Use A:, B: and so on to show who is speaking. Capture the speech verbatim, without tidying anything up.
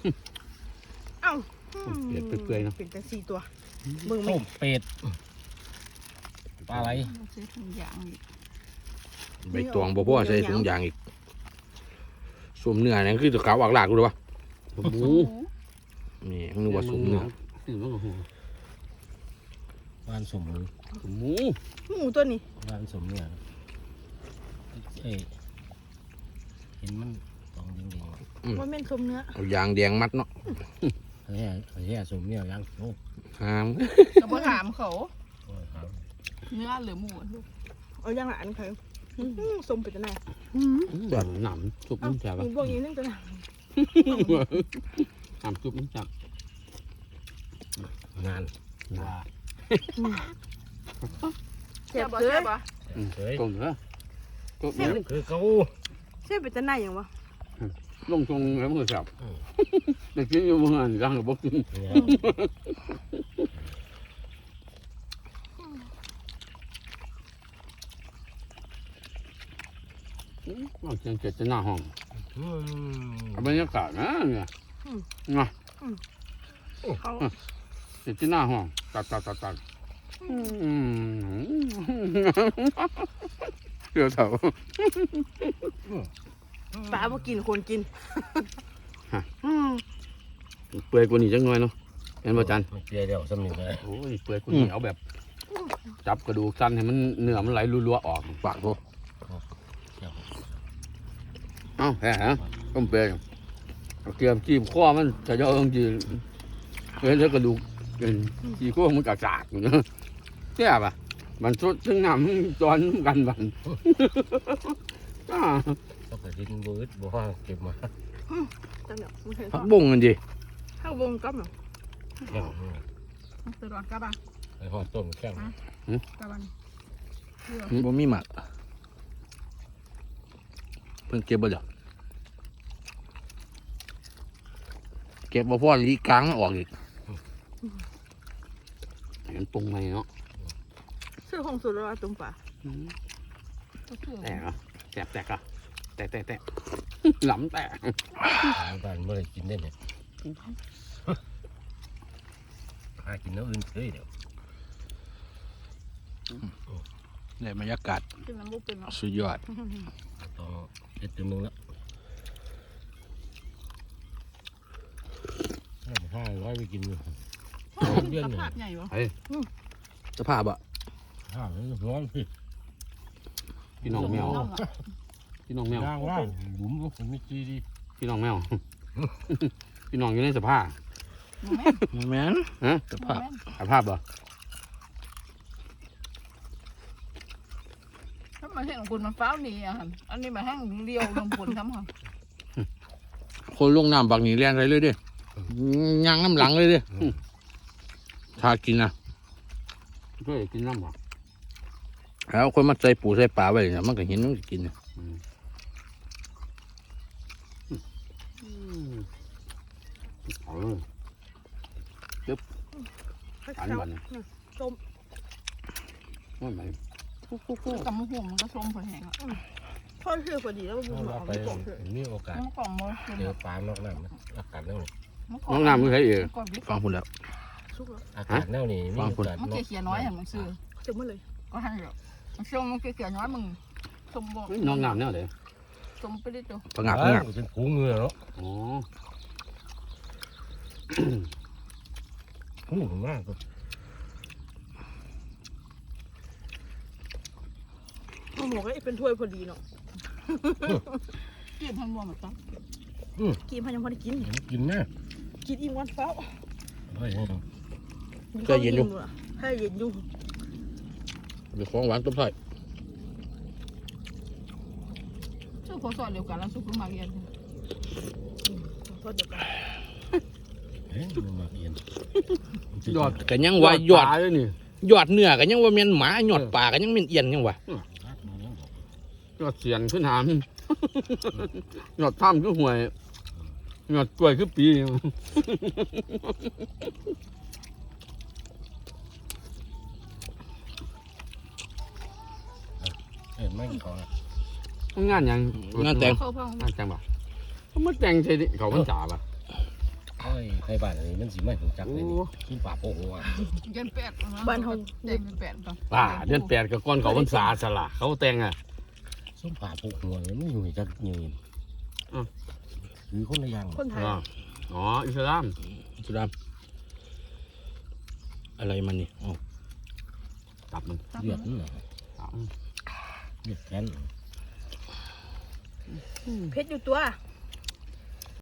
A: เอ้า
B: เป็ดเปื่อยๆเนาะ
A: เป็นแต่สี่ตัวมึงไม่
C: ต้มเป็ดปลาไหล
D: ใช้ถุงยางอีก
B: ใบตองบ่พอใส่ถุงยางอีกสวมเนื้อนี่คือตัวขาวอักลากรู้หรือเปล่าหมูนี่นึกว่าสวมเนื้อ
C: บ้านสมหมู
B: หมู
A: หมูตัวนี้
C: บ้านสมเนี่ยเอ้ยเห็นมันตองยิงๆ
A: ว่าแม่นสมเนื้อ
B: เอายางแดงมัดเนาะ
C: เฮ้ยเฮ้ยสมเนี่ยยังโอ้
B: หาม
D: ก็บ่ถามเขา
C: โหครับ
D: เนื้อหรือหมู
A: เอาย่างละอันใครสมเป็นตัวไหน
B: แบบหนำซุปมันแซ่บ
A: มีพวกนี้นึงตัวไหน
B: หนำซุปมันแซ่บ
C: งานว่า
A: เจ็บ
D: บ่
A: เล
D: ใช่
A: ย
D: ปะ
C: เฮ้ย
B: ต้มเหรอต้ม
C: คือเขา
A: เจ็บเป็นตัวไหนอย่างวะ
B: ลงตรงแล้วมันก็แซ่บแต่กินอยู่เมื่อไงร่างก็บอกกิน มันจังเกิดจะหน้าห้องบรรยากาศนะเนี่ยนะ
A: เขา
B: เกิดจะหน้าห้องตัดตัดตัดตัดเดี๋ยวเถอะ
A: ปลาบ่กินคนกิน
B: เปื่อยกว่านี้จังหน่อยเนาะเห็นป่ะจัน
C: เปียเดียวสำนึกเลย
B: โอ้ยเปื่อยกว่านี้เอาแบบจับกระดูกสั้นให้มันเนื้อมันไหลรัวๆออกปากโตเอ้าแหมต้มเปื่อยเกียมจีบข้อมันจะย่อต้องจีเห็นแล้วกระดูกจีข้อมันกระจาดอยู่เนาะแซ่บอ่ะมันสดซึ่งน้ำตอนกันบัน
C: ก็ไปกินบูดบัวเก็บมา
A: จังเดี๋ยวมึงเห็น
B: ผักบุ้งกันดิ
A: ข้าววงกับเนาะ
C: แข็ง
D: สดร้อนกับบ้าง
C: ไอ้หอดต้มแข็ง
D: กับบ้าง
B: บ่มีหมักเพิ่งเก็บบ่เดี๋ยวเก็บบ่พอลีกลางมันออกอีกเห็นปรุงไหมเนาะ
A: ซื้อของสุดแล้วตุ่มปลา
B: แตกอ่ะแตกแตกอ่ะแตกแตกแตกหล้ำแตก
C: บ้านเมื่อไรกินได้เนี่ยหากินน้ำอื่นเคยเดี๋ยว
B: ในบรรยากาศ
D: กินน้ำบุกเป็นเนาะ
B: สุดยอด
C: ต้องเด็ดตัวนึงแล้วห้าร้อยไปกินอยู่เดือนหนึ่ง
D: ภาพใหญ่ปะ
B: สภาพอ่ะ
C: ห้าร้อยพี่
B: พี่น้องแมวพี่น้องแมว
C: ย่างว่าหลุมก็ผมไม่จีดี
B: พี่น้องแมว พี่น้องอยู่ในสภาพ
D: แม่
B: แมนฮะสภาพสภาพเหรอ
D: ถ้ามาเห็นของคุณมันฟ้าวนี่อ่ะอันนี้มาแห้งเรียวลงผลทำค่ะ
B: คนลงน้ำบักหนีแรงเลยเลยดิย่างน้ำหลังเลยดิถ้ากินนะก็อยากกินน้ำหรอแล้วคนมาใส่ปูใส่ปลาไว้เนี่ยมันก็เห็นมันก็กินเนี่ยเอาเลยจึ๊บอันบัน
A: ส้ม
B: ไม่ไหม
D: กับมะม่วงมันก็ส้มผลแห้งอ่ะ
A: พ่อซื้อพอดีแล้วมึง
C: เรา
A: เอา
C: ไป
A: ไปกล่องเถอะ
C: มีโอกาส
D: น้ำกล่องมือ
C: เจอปลานอกน้ำอากาศแน่วนี่
B: น้องน้ำมือใครเอง
D: ก่อนบิ๊ก
B: ฟังคุณแล้ว
A: สุกแล้ว
C: อากาศแน่วนี่มีโอกาส
D: มันเขียน้อยอย่างมันซื้อ
A: เจ็บหมดเลย
D: ก็ให้เดี๋ยวมันส้มมันเขียน้อยมึงส้มบ่
B: น้องน้ำเนี่ยเดี๋ยว
D: ส้มไปได้ตัว
B: ผงักผงัก
C: เป็นพุงเงือเนาะ
B: อ๋อ
C: พุงมาก
A: หมูก็เป็นถ้วยพอดีเนาะ
D: กินทั้งรวมแบบนั้น
A: กินพันยังพอได้กิน
C: กินแน่
A: กินอิ่มวันเฝ้า
C: เฮ้ย
B: ก็เย็นอยู่
A: ให้เย็นอยู่
B: มีของหวานต้มไผ่
D: ชื่อโคสอนเดียวกันแล้วซุปมาเรียน
A: ก็เดี๋ยวกัน
C: เฮ้ยมันมาเอียน
B: ยอดกันยังว่ายอดเลยนี่ยอดเนื้อกันยังว่าเมียนหมายอดปลากันยังเมียนเอียนยังวะยอดเสียนขึ้นหามยอดถ้ำคือห่วยยอดกล้วยคือปี
C: เห็นไหมเขา
B: งานยังงานแต่ง
D: เข้าพ่อง
B: งานแต่งบ่เขามาแต่งใช่ดิเขามันจ่าป่ะ
C: ในบ้านอันนี้มันสิไม่ถูกจักเลยนี่ขี้ป่าโป่งหัว
D: เดือนแปดนะ
A: บ้านเฮา
D: เดือนแปดก่อน
B: ป่าเดือนแปดกับก้อนเขาพรรษาสละเขาแต่งอ่ะ
C: ส้มป่าโป่งหัวเนี่ยมันอยู่จักยืนหรือคนละอย่าง
A: คนไทย
B: อ๋ออิสลามอิสลามอะไรมันนี่อ๋อตับมัน
C: เลือดนี่เหรอเลือดแขน
A: เพชรอยู่ตัว